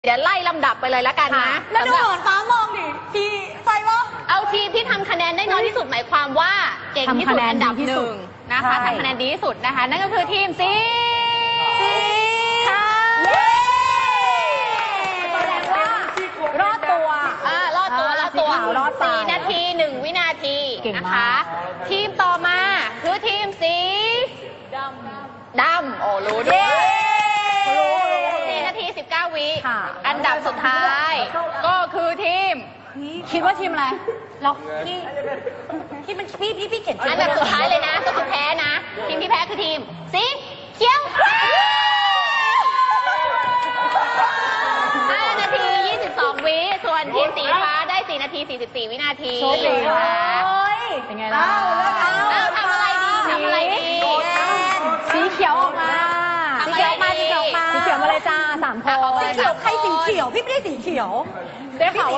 เดี๋ยวไล่ลำดับไปเลยละกันนะแล้วดูเหินฟ้ามองดิพี่ไฟว่าเอาทีมที่ทำคะแนนได้น้อยที่สุดหมายความว่าเก่งที่สุดอันดับหนึ่งนะคะทำคะแนนดีที่สุดนะคะนั่นก็คือทีมสีค่ะแสดงว่ารอดตัวรอดตัว4 นาที 1 วินาทีนะคะทีมต่อมาคือทีมสีดำโอ้รู้ด้วย4 นาที 19 วิอันดับสุดท้ายก็คือทีมคิดว่าทีมอะไรเราที่มันพี่เขียนอันดับสุดท้ายเลยนะก็คือแพ้นะทีมที่แพ้คือทีมสีเขียว5 นาที 22 วิส่วนทีมสีฟ้าได้4 นาที 44 วินาทีเป็นไงล่ะทำอะไรดีสีเขียวออกมาสีเขียวมาเลยจ้า3 คนสีเขียวใครสีเขียวพี่ไม่ได้สีเขียวได้ข่าว